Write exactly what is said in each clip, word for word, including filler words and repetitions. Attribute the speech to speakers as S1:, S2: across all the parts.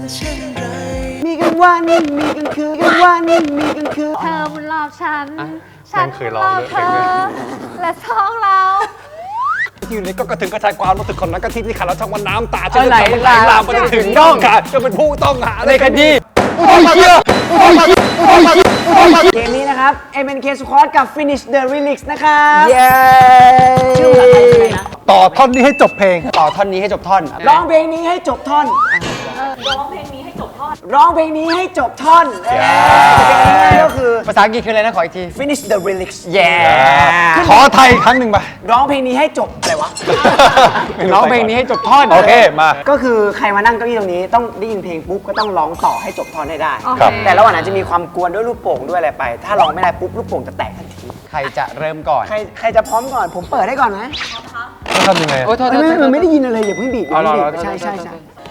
S1: มีกันวันมีกันคืนกันวันมีกันคืน
S2: เธอบุญรอบฉัน
S3: ฉันเคยร้องด้วย
S2: เธอและท้องเรา
S3: ที่อยู่ในก็กระถึงกระชายความรู้สึกของนักกะทิที่ขาดแล้วช่างวันน้ำตา
S4: จะไหลลาม
S3: ลามไปถึงน่องขาดจะเป็นผู้ต้องหาในคดี
S4: โอ้ยเชี่ยโอ้ยเชี่ยโอ้ยเชี่ยโอ้ยเชี่ย
S1: เกมนี้นะครับ เอ็ม เอ็น เค Squad กับ Finish the Remix นะครับ
S4: เย้
S1: ชื่อภาษาไทยคืออะไรนะ
S3: ต่อท่อนนี้ให้จบเพลง
S4: ต่อท่อนนี้ให้จบท่อน
S1: ร้องเพลงนี้ให้จบท่อนร้องเพลงนี้ให้จบท่อนร้องเพลงนี้ให้จบท่อนเออก็คือ
S4: ภาษาอังกฤษคืออะไรนะขออีกที
S1: Finish the Remix
S4: เย้
S3: ขอไทยอีกครั้งหนึ่งไป
S1: ร้องเพลงนี้ให้จบอะไรวะ
S4: ร้องเพลงนี้ให้จบท่อน
S3: โอเคมา
S1: ก็คือใครมานั่งเก้าอี้ตรงนี้ต้องได้ยินเพลงปุ๊บก็ต้องร้องต่อให้จบท่อนให้ได้
S2: โอเค
S3: ครับ
S1: แต่ระหว่างนั้นจะมีความกวนด้วยลูกโป่งด้วยอะไรไป ถ้าร้องไม่ได้ปุ๊บลูกโป่งจะแตกทันที
S4: ใครจะเริ่มก่อน
S1: ใครใครจะพร้อมก่อนผมเปิดให้ก่อนนะ
S3: ต้องทำยังไง
S4: โอ้ยโทษโท
S1: ไม่
S4: ษ
S1: ไม่
S4: โทษ
S1: ไม่ได้ยินอะไรอย่าเพิ่งบีบอย่าเพิ่งบี
S4: อ๋อเหร
S1: บ
S4: อ
S1: ใช่ใช่ใช่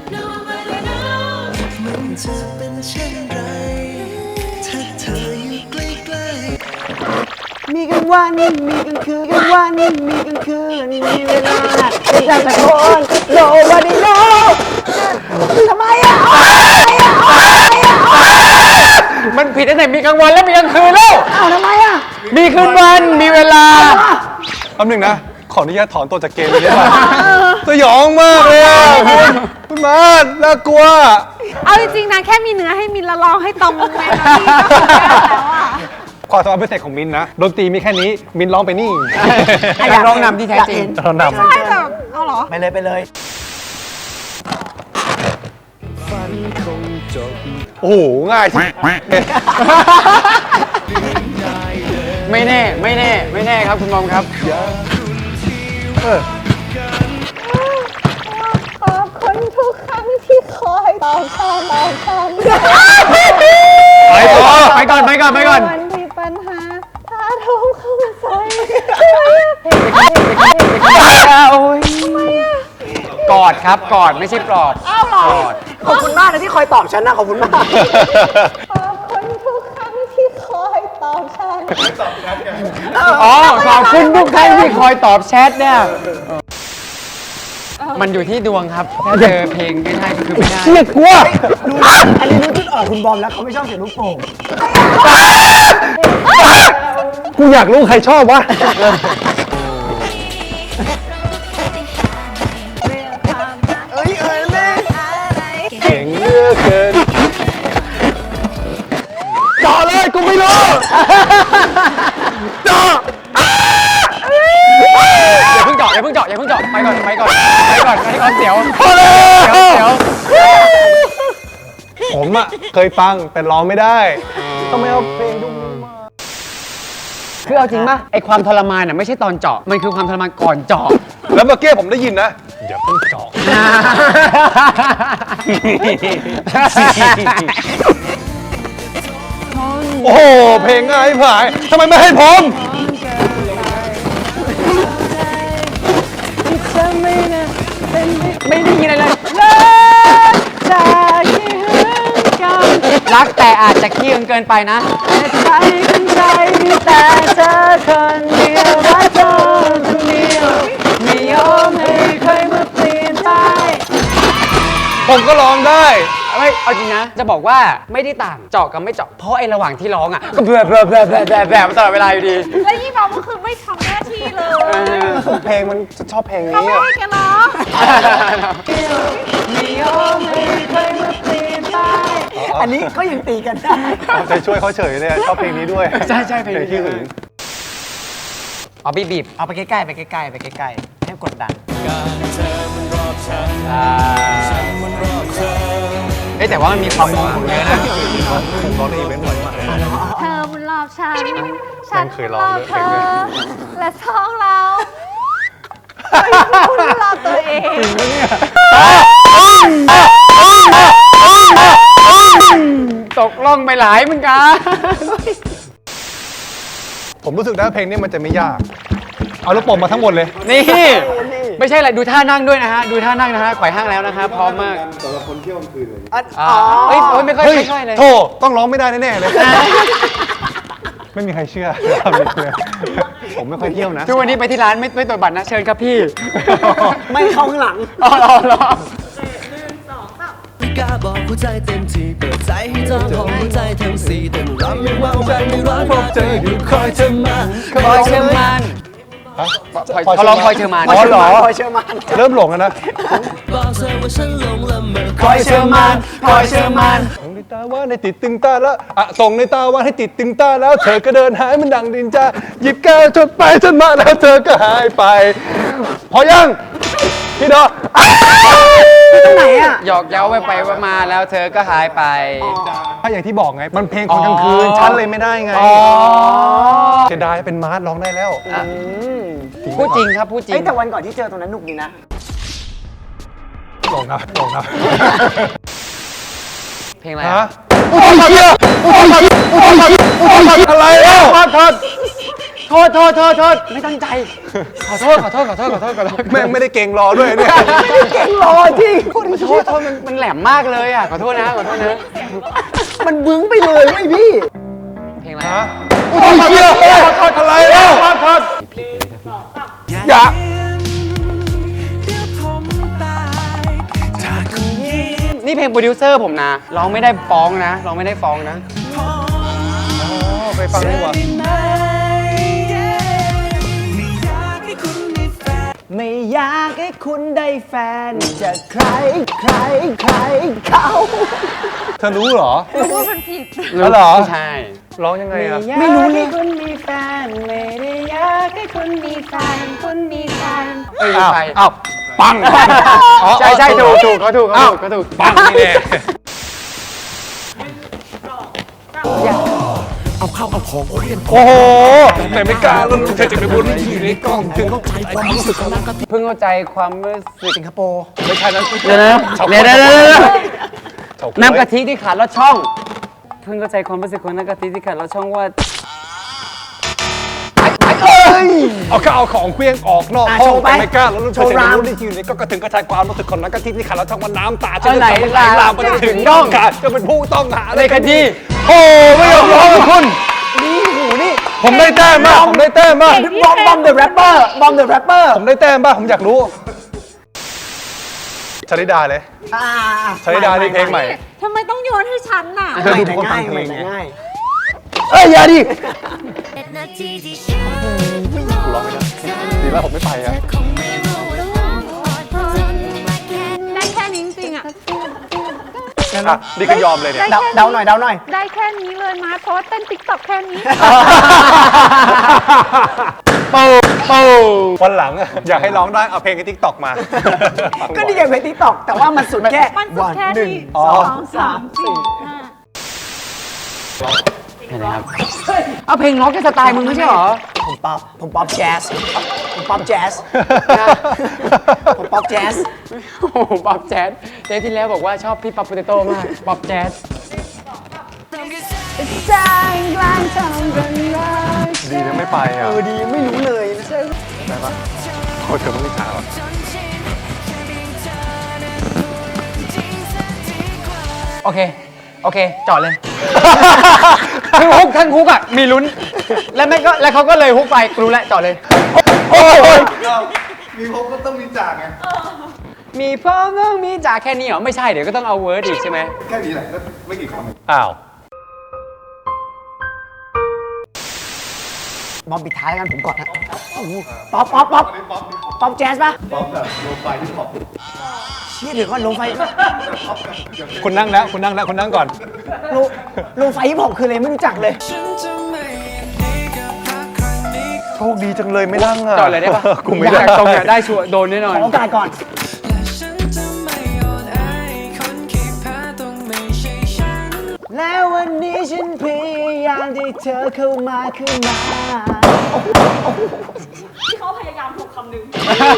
S1: มีกันวันมีกันคืนกันวันมีกันคืนมีเวลาที่จะตะโกนโลวันนี้โลทำไมอ่ะ
S4: มันผิดตั้งแต่มีกลางวันแล้วมีกลางคืนแล้ว
S1: อ้าวทำไมอ่ะ
S4: มีคืนวันมีเวลา
S3: แป๊บหนึงนะ ขออนุญาตถอนตัวจากเกมนี้ได้ไหมสยองมากเลยอะคุณคุณมาดน่ากลัว
S2: เอาจริงๆนะแค่มีเนื้อให้มินละร้องให้ตรงเมโลดี้ก็คือแล้วอ่ะ
S3: ความสามารถพิเศษของมินนะดนตรีมีแค่นี้มินร้องไปนี่
S4: ไอ้การร้องนำที่แท้จริง
S3: เรานำ
S2: ใช่แต่เอาเหรอ
S1: ไปเลยไปเลย
S3: โอ้โหง่ายที่
S4: ไม่แน่ไม่แน่ไม่แน่ครับคุณมอมครับ
S3: เออ
S2: ขอบคุณทุกครั้งที่คอยตอบคำตอบคำ
S3: ไปต่อ
S4: ไปก่อนไปก่อนไปก่อน
S2: วันที่ปัญหาถ้าทุกเข้ามาใส่
S4: โอ้ยกอดครับกอดไม่ใช่ปลอบ
S2: อ้าวเหรอ
S1: ขอบคุณมากนะที่คอยตอบฉันนะขอบคุณมาก
S2: ขอบคุณทุกครั้งที่คอยตอบฉัน
S4: อ๋อขอบคุณทุกท่านที่คอยตอบแชทเนี่ยมันอยู่ที่ดวงครับถ้าเจอเพลงไม่ได้ก็คือไม่ได้
S3: เชี่ยกลัว
S1: ดูอันนี้รู้จุดออกคุณบอมแล้วเขาไม่ชอบเสียงลูกโป่ง
S3: กูอยากรู้ใครชอบวะเก่งเหลือเกินต่อเลยกูไม่รู้ต่อ
S4: อย่าเพิ่งเจาะอย่าเพิ่งเจาะอย่าเพิ่งเจาะไปก่อนไปก่อนไปก่อนไปก่อนเสียว
S3: พอแล้ว
S4: เสียว
S3: ผมอะเคยฟังแต่ร้องไม่ได้ต้องไม่เอาเพลงดุ้มมา
S4: คือเอาจริงป่ะไอความทรมานน่ะไม่ใช่ตอนเจาะมันคือความทรมานก่อนเจาะ
S3: แล้วเมื่อกี้ผมได้ยินนะอย่าเพิ่งเจาะโอ้โหเพลงง่ายผายทำไมไม่ให้ผม
S4: ไม่ได้ยินอะไรเลยรักแต่อาจจะขี้เกินไปนะใจเป็นใจมีแต่เธอคนเดียวรักเธอคนเดียวไม่ยอมให้ใครมาเปลี่ยนไป
S3: ผมก็ร้องได้
S4: ไม่เอาจริงนะจะบอกว่าไม่ได้ต่างเจาะกับไม่เจาะเพราะไอ้ระหว่างที่ร้องอ่ะก็เบื่อเบื่อเบื่อเบื่อเบื่อเบื่อตลอดเวลาอยู่ดี
S2: แล้วยี่บอกก็คือไม่ทำหน้าที่เลย
S3: เพลงมันชอบเพลง
S2: เขา
S3: นี้
S2: ไม่
S3: อะ
S2: ให้แกร้อง
S1: อันนี้ก็ยังตีกันได้
S3: เอาใจช่วยเขาเฉยเลยอะชอบเพลงนี้ด้วย
S4: ใช่ใช่เพลงนี้
S3: ที่หึง
S4: เอาบีบบีบ
S1: เอาไปใกล้ๆไปใกล้ๆไปใกล้ๆให้กดดัน
S4: เอ้ยแต่ว่ามันมีความมองของเยอะนะ
S3: ผมร้องในอีเวนต์บ่อยมาก
S2: เธอบุญรอบฉัน
S3: ฉันเคยร้องด้วย
S2: เธอและท้องเราบุญรอบตัวเอง
S4: ตกล่องไปหลายเหมือนกัน
S3: ผมรู้สึกนะเพลงนี้มันจะไม่ยาก เอาลูกโป่งมาทั้งหมดเลย
S4: นี่ไม่ใช่อะไรดูท่านั่งด้วยนะฮะดูท่านั่งนะฮะไขว่ห้างแล้วนะครับพร้อมมาก
S1: อัน
S4: อ๋
S1: อ๋
S4: อ
S1: อ
S4: เฮ้ยโอ้ยไม่ค่อย
S3: เฮ้ย
S4: ไม่ค่อยเลย
S3: โธ่ต้องร้องไม่ได้แน่ๆเลย ไม่มีใครเชื่อทำเลยผมไม่ค่อยเที่ยวนะ
S4: ทุกวันนี้ไปที่ร้านไม่ไม่ตรวจบัตรนะเชิญครับพี่
S1: ไม่เข้าข้างหลัง
S4: อ๋อเหรอเหรอ
S5: ที่กล้าบอกหัวใจเต็มที่เปิดใจให้เจ้าของหัวใจทั้งสี่เต้นรำไม่ว่าใจไม่ร้อนพบเจออยู่คอยเธอมา
S4: พลอยเชอร์มาน
S3: ฮะ
S4: เขาร้องพลอยเชอร์มาน
S3: อ๋อเหรอ
S1: คอยเชื่อมัน
S3: เริ่มหลงแล้วนะ
S5: บอกเธอว่าฉันหลงละเมอ
S4: พลอยเชอร์มานพลอยเชอร์มาน
S3: ส่งในตาว่าให้ติดตึงตาแล้วอะส่งในตาว่าให้ติดตึงตาแล้ว เธอก็เดินหายมันดังดินจาหยิบแก้วจดไปจนมาแล้วเธอก็หายไป พอยังพี่ดอ
S1: ตรงไหนอ่ะ
S4: หยอกเย้าไปไปมาแล้วเธอก็หายไป
S3: ถ้าอย่างที่บอกไง มันเพลงคนกลางคืนฉันเลยไม่ได้ไงเสียดายเป็นมาร์ทร้องได้แล้ว
S4: พูดจริงครับพูดจริ
S1: เอ้
S4: ง
S1: ยแต่วันก่อนที่เจอตรงนั้นหนุกดีนะ
S3: หลงนะหลงนะ
S4: เพลงอะไร
S3: ฮะโอ้ยเชี่ยโอ้ยโอ้ยโอ้ยอะไรแล้วโทษโทษ
S4: โทษโทษโทษโทษไม่ตั้งใจ ขอโทษขอโทษขอโทษขอโทษขอโทษ
S3: แม่งไม่ได้เก่งรอด้วยเนี่ย
S1: เก่งรอจริง
S4: ขอโทษโทษมันมันแหลมมากเลยอ่ะขอโทษนะขอโทษนะ
S1: มันบึ้งไปเลยไอ้พี่
S4: เพลงอะไร
S3: ฮะโอ้ยเชี่ยอะไรแล้วอย่า
S4: นี่เพลงโปรดิวเซอร์ผมนะร้องไม่ได้ฟ้องนะร้องไม่ได้ฟ้องนะ
S3: ไปฟังดีกว่า
S1: ไม่อยากให้คุณได้แฟนจากใครใครใครเขา
S3: เธอรู้เหรอ
S2: รู้ว่ามันผิด
S3: แล้วเหรอ
S4: ใช่
S3: ร้องยังไงอะ
S1: ไม่รู้เลย
S2: คุณมีแฟนไม่ได้อยากให้คุณมีแฟนคุณมีแฟน
S4: เอ้ย
S3: อ้าว
S4: ใคร
S3: อ้าวปัง
S4: ใช่ใช่ถูกถูกเขาถูกเขาถูกเขาถูก
S3: ปังนี่แน่
S5: เอาข้าวเอาของเคลื่อน
S3: โอ้โหแต่ไม่กล้าแล้วเธอจะไปบุญอยู่ในกล้องถึง
S5: เข้าใจความรู้สึกของนักกะทิ
S4: เพิ่งเข้าใจความรู้สึก
S1: สิงคโปร์
S3: ไม่ใช่นั้น
S4: เดี๋ยวนะเดี๋ยวเดี๋ยวเดี๋ยวเดี๋ยว
S3: เฉาก๊วย
S4: น้ำกะทิที่ขาดลอดช่อง เพิ่งเข้าใจความรู้สึกของน้ำกะทิที่ขาดลอดช่องว่า
S3: เอาข้าวเอาของเคลี้ยงออกนอก
S1: อ่ะ
S3: ห้อ
S1: โช
S3: ง
S1: ว์ไป
S3: แต่ไม่กล้าแล้วเธอ
S1: โชว์
S3: จะไป
S1: ราม
S3: บุญที่อยู่ในก็กระถึงกระจายความรู้สึกของนักกะทิที่ขาดแล้วช่องว่าน้ำตา
S4: เอาไหน
S3: จะไหลลามไปถึงน่องขาดจะเป็นผู้ต้องหา
S4: ในคดี
S3: โอ้ไม่ยอมร้องกับคุณ
S1: นี่หูนี่
S3: ผมได้แต้มมากผมได้แต้มมาก
S1: บอมบอมเดอะแรปเปอร์บอมเดอะแรปเปอร์
S3: ผมได้แต้มบ้างผมอยากรู้ชลิดาเลย
S1: อ่า
S3: ชลิดาในเพลงใหม่
S2: ทำไมต้องโยนให้ฉันน่ะ
S3: เธอดู
S1: แต่
S3: คนฟั
S1: ง่าง ย
S3: เพลง
S1: แต่
S3: ไง
S1: ง่าย
S3: เอ้ยอย่าดิ
S6: นาทีที่ฉัน
S3: ร้องไม่ได้ดีแล้วผมไม่ไปอ่ะ
S6: คงไม่รู้ว่าต้องอดทนมาแค่
S2: ได้แค่นี้จริงๆอ่ะ
S3: อ่ะนี่ก็ยอมเลยเนี่ย
S1: เดาเดาหน่อยเดาหน่อย
S2: ได้แค่นี้เลยมาเพราะว่าเต้นติ๊กต็อกแค่นี้
S3: ปูปูวันหลังอะอยากให้ร้องได้เอาเพลงในทิกตอกมา
S1: ก็นี่ไงเพลงทิกตอกแต่ว่ามันสุดแค่
S2: มันสุดแค่
S1: หนึ่ง
S2: นี้
S3: อ๋อ
S2: สองสามสี่ห้า
S4: เห็นไหมครับ เอาเพลงล็อกก็สไตล์มึงไม่ใช่เหรอ
S1: ผมป๊อปผมป๊อปแจ๊สผมป๊อปแจ๊สผมป๊อปแจ๊ส
S4: โอ้โหป๊อปแจ๊สเทปที่แล้วบอกว่าชอบพี่ป๊อปโปเตโต้มาก ป๊อปแจ๊ส
S1: ใจกลางทำกันเลย
S3: ดีนะไม่ไป
S1: เอ
S3: อ่ะ
S1: อดีไม่รู้เลยไม่ใช่
S3: ได้ปะโอ้เธอไม่มีขาวอะ
S4: โอเค โอเค จอดเลย คือฮุกทั้งฮุกอ่ะ มีลุ้น แล้วแม่งก็แล้วเขาก็เลยฮุกไปกูรู้แล้วจอดเลย
S3: โอ้ย
S4: มีพร้อมต้องมีจ่าแค่นี้เหรอ ไม่ใช่ เดี๋ยวก็ต้องเอาเวิร์ดอีกใช่ไหม
S3: อ้าว
S1: บอมปิดท้ายแล้วกันผมก่อนนะป๊อปป๊อปป๊อปป๊อปแจ๊สป่ะป๊อปแบบโลไฟที่ป๊อปเชี่ยเดี๋ยวก่อนโลไฟ
S3: คุณนั่งแล้วคุณนั่งแล้วคุณนั่งก่อน
S1: โลโลไฟฮิปฮอปคืออะไรไม่รู้จักเลย
S3: โชคดีจังเลยไม่นั่งอ่ะ
S4: จอดเลยได้ปะ
S3: กูไม่ได้
S4: อยากตรงเนี่ยได้ชัวร์โดนแน่นอน
S1: ขอโอกาสก่อน แล้ววันนี้ฉันพยายามที่เธอเข้ามาขึ้นมา
S2: ที่เขาพยายามถูกคำหนึ่ง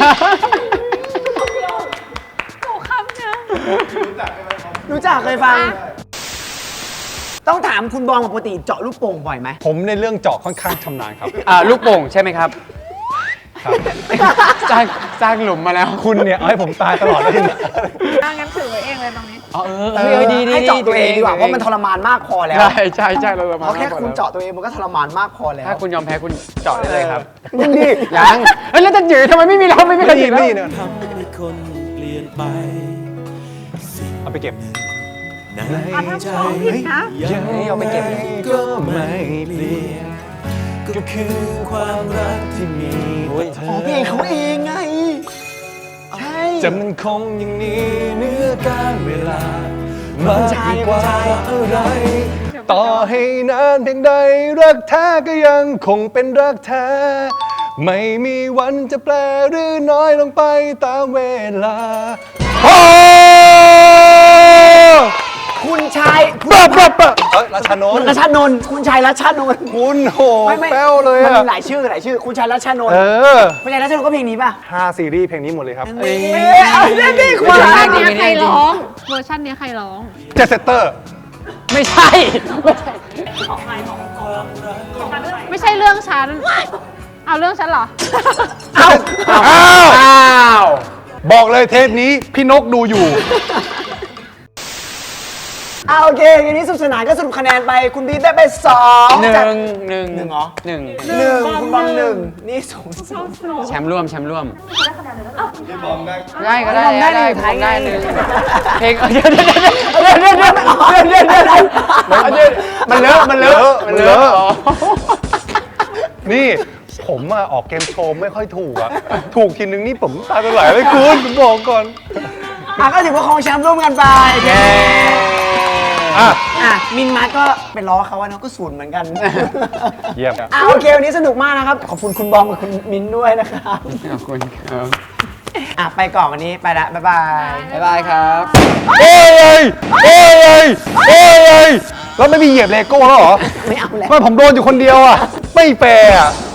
S2: ถูกคำนึง
S1: รู้จักเคยฟัง ต้องถามคุณบอมปกติเจาะลูกโป่งบ่อยไหม
S3: ผมในเรื่องเจาะค่อนข้างชำนาญครับ
S4: อ่าลูกโป่งใช่ไหมครับ
S3: ครับ
S4: สร้างสร้างหลุมมาแล้ว
S3: คุณเนี่ยเอาให้ผมตายตลอดเลย
S2: อ่ะงั้นถือไว้เองเลยตรงนี้
S4: อ๋อเออ
S1: เอ
S4: เอ
S1: อ
S4: อดีดี
S1: ให้เจาะตัวเองดีกว่าเพราะมันทรมานมากพอแล้ว
S4: ใช่ใช่ใช่เราประมาณ
S1: เพราะแค่
S4: นั้น
S1: คุณเจาะตัวเองมันก็ทรมานมากพอแล้ว
S4: ถ้าคุณยอมแพ้คุณเจาะได้เลยครับ
S1: ยังดี
S4: ยังเฮ้ยแล้วจะจืดทำไมไม่มีเราไม่มีใคร
S3: ไม่
S4: จื
S3: ดี
S4: ด
S3: ไม่
S4: แล้ว
S3: ดีเนี่ย
S5: ทำให้คนเปลี่ยนไป
S3: เอาเอาไปเก็บ
S5: ใน
S2: อ่ะถ้า
S5: ใจ
S2: ร้องผิดนะ
S5: ยังเอาไปเก็บก็ไม่เปลี่ยนก็คือความรักที่มีต่อเธ
S1: อ๋อ
S5: อ
S1: เพลงเขาเองไง ใช่
S3: จะมันคงอย่างนี้
S5: เนื้อการเวลา มากยิ่งกว่าอะไร
S3: ต่อให้นานเพียงใดรักแท้ก็ยังคงเป็นรักแท้ ไม่มีวันจะแปลหรือน้อยลงไปตามเวลาโอ้
S1: คุณชาย
S3: ปะปะปะเอ้ยราชานนท์
S1: รัชานนท์คุณชายรัชานนท์
S3: คุณโห
S1: ไม่ไม่
S3: แป้วเลย
S1: มัน
S3: อะ
S1: มีหลายชื่อหลายชื่อ คุณชายรัชานน
S3: เอ
S1: ท์
S3: อ
S1: คุณชายรัชานนท์ก็เพลงนี้ป่ะ
S3: ห้าซีรีส์เพลงนี้หมดเลยครับ
S1: เอ้ยเอาเรื่องนี้คุณ
S2: เวอร์
S1: ชา
S2: ชั
S1: ย
S2: นเนี้ยใครร้อง เวอร์ชันเนี้ยใครร้อง
S3: เจสเซตเตอร์
S4: ไม่ใช่
S2: ไม่ใช่เรื่องฉัน เอาเรื่องฉันเหรอ
S1: เอาเอา
S3: อ้าว
S1: อ้าว
S3: บอกเลยเทปนี้พี่นกดูอยู่
S1: เอาโอเคทีนี้สนุกสนานก็สรุปคะแนนไป คุณบีทได้ไปสอง
S4: หนึ่
S1: จาก
S4: งหนึ่ง
S1: หนึ่งเหรอ
S4: หนึ่ง
S1: หนึ่งคุณบอมหนึ่งนี่สูงสุด
S4: แชมป์ร่วมแชมป์ร่วมได้ก็ได้
S1: ได้
S4: ได้
S1: หนึ่ง
S4: ผม
S1: ท้ายไง
S4: ได้หนึ่งเพลงเดี๋ยวเดี๋ยวเดี๋ยวเดี๋ยวเดี๋ยวเดี๋ยวเดี๋ยวเดี๋ยวเดี๋ยวเดี๋ยวมันเลอะมันเลอะมันเลอะ
S3: นี่ผมอะออกเกมโชว์ไม่ค่อยถูกอะถูกทีนึงนี่ผมตาจะไหลเลยคุณผมบอกก่อน
S1: อ่ะก็ถือว่าครองแชมป์ร่วมกันไป
S3: อ่ะ
S1: อ่ะมินมาร์ทก็เป็นล้อเขาอะเนาะก็ศูนย์เหมือนกัน
S3: เยี่ยม
S1: อ่ะโอเควันนี้สนุกมากนะครับ ขอบคุณคุณบอมกับคุณมินด้วยนะครับ
S4: ขอบคุณครับ
S1: อ่ะไปก่อนวันนี้ไปละบ๊ายบาย
S4: บ๊ายบายครับ
S3: โอ้ยโอ้ยโอ้ยแล้วไม่มีเหยียบเลโก้แล้วเหรอ
S1: ไม่เอาแล้ว
S3: ไม่ผมโดนอยู่คนเดียวอะไม่แฟร์อะ